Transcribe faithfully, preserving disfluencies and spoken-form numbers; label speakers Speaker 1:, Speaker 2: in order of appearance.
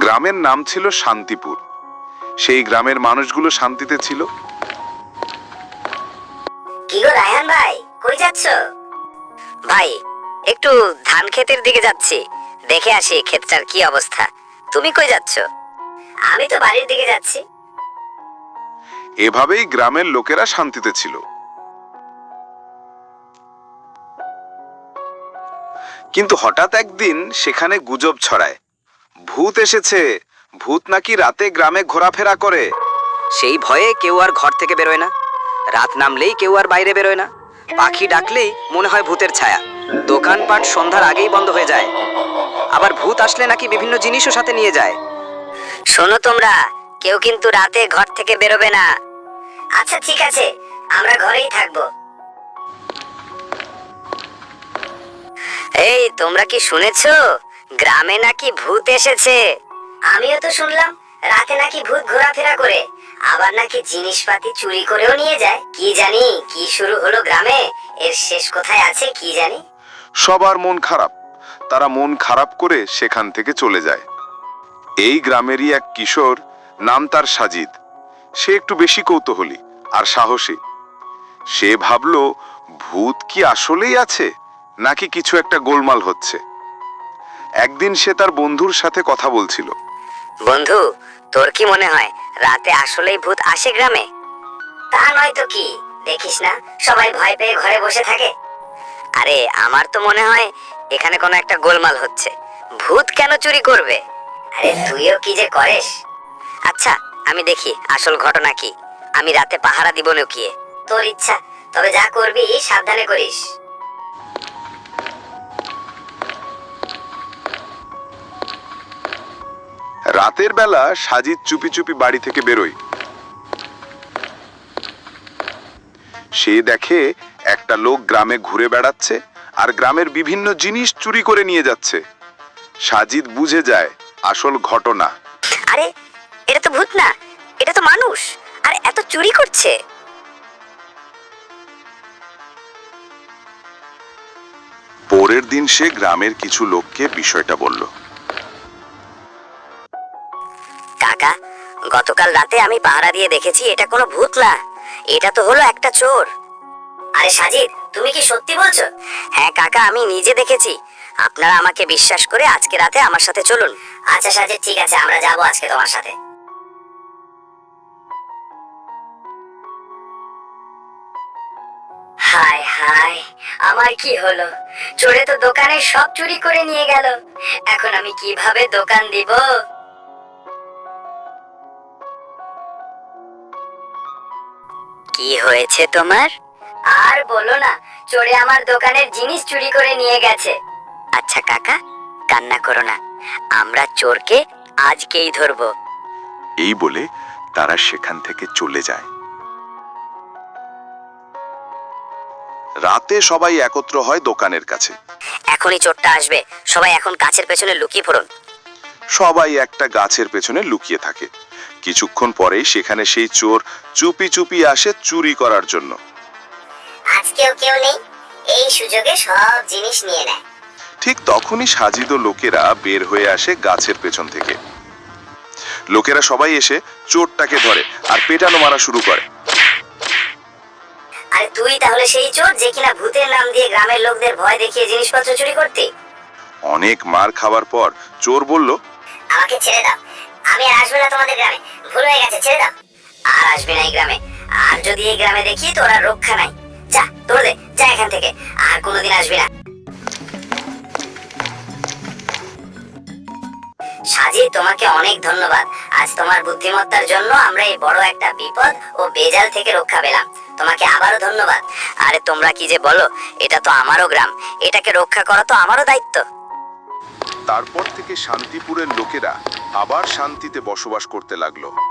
Speaker 1: গ্রামের নাম ছিল শান্তিপুর। সেই গ্রামের মানুষগুলো শান্তিতে ছিল।
Speaker 2: কি গো রায়হান ভাই, কই যাচ্ছ? ভাই একটু ধান ক্ষেতের দিকে যাচ্ছি, দেখে আসি ক্ষেতটার কি অবস্থা। তুমি কই যাচ্ছ? আমি তো বাড়ির দিকে যাচ্ছি।
Speaker 1: এভাবেই গ্রামের লোকেরা শান্তিতে ছিল। কিন্তু হঠাৎ একদিন সেখানে গুজব ছড়ায়, ভূত এসেছে, ভূত নাকি রাতে গ্রামে ঘোরাফেরা করে।
Speaker 3: সেই ভয়ে কেউ আর ঘর থেকে বেরোয় না। রাত নামলেই কেউ আর বাইরে বেরোয় না। পাখি ডাকলেই মনে হয় ভূতের ছায়া। দোকানপাট সন্ধ্যার আগেই বন্ধ হয়ে যায়। আবার ভূত আসলে নাকি বিভিন্ন জিনিসও সাথে নিয়ে যায়।
Speaker 2: শোনো তোমরা, কেউ কিন্তু রাতে ঘর থেকে বেরোবে না। আচ্ছা ঠিক আছে, আমরা ঘরেই থাকবো। এই তোমরা কি শুনেছো, গ্রামে নাকি ভূত এসেছে? আমিও তো শুনলাম, রাতে নাকি ভূত ঘোরাফেরা করে, আবার নাকি জিনিসপাতি চুরি করেও নিয়ে যায়। কি জানি কি শুরু হলো গ্রামে, এর শেষ কোথায় আছে কি জানি।
Speaker 1: সবার মন খারাপ। তারা মন খারাপ করে সেখান থেকে চলে যায়। এই গ্রামেরই এক কিশোর, নাম তার সাজিদ। সে একটু বেশি কৌতূহলী আর সাহসী। সে ভাবল, ভূত কি আসলেই আছে নাকি কিছু একটা গোলমাল হচ্ছে। একদিন সে তার বন্ধুর সাথে কথা বলছিল।
Speaker 2: বন্ধু, তোর কি মনে হয় রাতে আসলেই ভূত আসে গ্রামে? তা নয় তো কি, দেখিস না সবাই ভয় পেয়ে ঘরে বসে থাকে। আরে আমার তো মনে হয় এখানে কোনো একটা গোলমাল হচ্ছে। ভূত কেন চুরি করবে? আরে তুইও কি যে করিস। আচ্ছা আমি দেখি আসল ঘটনা কি। আমি রাতে পাহারা দিব লুকিয়ে। তোর ইচ্ছা, তবে যা করবি সাবধানে করিস।
Speaker 1: রাতের বেলা সাজিদ চুপি চুপি বাড়ি থেকে বেরোয়। সে দেখে একটা লোক গ্রামে ঘুরে বেড়াচ্ছে আর গ্রামের বিভিন্ন জিনিস চুরি করে নিয়ে যাচ্ছে। সাজিদ বুঝে যায় আসল ঘটনা।
Speaker 2: আরে এটা তো ভূত না, এটা তো মানুষ, আর এত চুরি করছে।
Speaker 1: পরের দিন সে গ্রামের কিছু লোককে বিষয়টা বলল।
Speaker 2: কাকা, গতকাল রাতে আমি পাহারা দিয়ে দেখেছি এটা কোনো ভূত না, এটা তো হলো একটা চোর। আরে সাজিদ, তুমি কি সত্যি বলছো? হ্যাঁ কাকা, আমি নিজে দেখেছি। আপনারা আমাকে বিশ্বাস করে আজকে রাতে আমার সাথে চলুন। আচ্ছা সাজিদ, ঠিক আছে, আমরা যাবো আজকে তোমার সাথে। হায় হায়, আমার কি হলো? চোরে তো দোকানে সব চুরি করে নিয়ে গেল। এখন আমি কিভাবে দোকান দিব? কি হয়েছে তোমার? আর বলো না, চোরে আমার দোকানের জিনিস চুরি করে নিয়ে গেছে। আচ্ছা কাকা, কান্না করো না, আমরা চোরকে আজকেই ধরবো।
Speaker 1: এই বলে তারা সেখান থেকে চলে যায়। রাতে সবাই একত্র হয় দোকানের কাছে।
Speaker 2: এখনই চোরটা আসবে, সবাই এখন গাছের পেছনে লুকিয়ে পড়ুন।
Speaker 1: সবাই একটা গাছের পেছনে লুকিয়ে থাকে। কিছুক্ষণ পরেই সেখানে সেই চোর চুপি চুপি আসে চুরি করার জন্য।
Speaker 2: আজকেও কেউ নেই, এই সুযোগে সব জিনিস নিয়ে নেয়।
Speaker 1: ঠিক তখনই সাজিদ ও লোকেরা বের হয়ে আসে গাছের পেছন থেকে। লোকেরা সবাই এসে চোরটাকে ধরে আর পেটানো মারা শুরু করে।
Speaker 2: আরে তুই তাহলে সেই চোর যে কিনা ভূতের নাম দিয়ে গ্রামের লোকদের ভয় দেখিয়ে জিনিসপত্র চুরি করতে?
Speaker 1: অনেক মার খাওয়ার পর চোর বলল,
Speaker 2: আমাকে ছেড়ে দাও, আমি আর আসবো না তোমাদের গ্রামে, ভুল হয়ে গেছে, ছেড়ে দাও। আর আসবি না এই গ্রামে, আর যদি এই গ্রামে দেখি তোর আর রক্ষা নাই। যা, দৌড় দে, যা এখান থেকে, আর কোনোদিন আসবি না। সাজি, তোমাকে অনেক ধন্যবাদ। আজ তোমার বুদ্ধিমত্তার জন্য আমরা এই বড় একটা বিপদ ও বেজাল থেকে রক্ষা পেলাম। তোমাকে আবারও ধন্যবাদ। আরে তোমরা কি যে বলো, এটা তো আমারও গ্রাম, এটাকে রক্ষা করা তো আমারও দায়িত্ব।
Speaker 1: তারপর থেকে শান্তিপুরের লোকেরা আবার শান্তিতে বসবাস করতে লাগলো।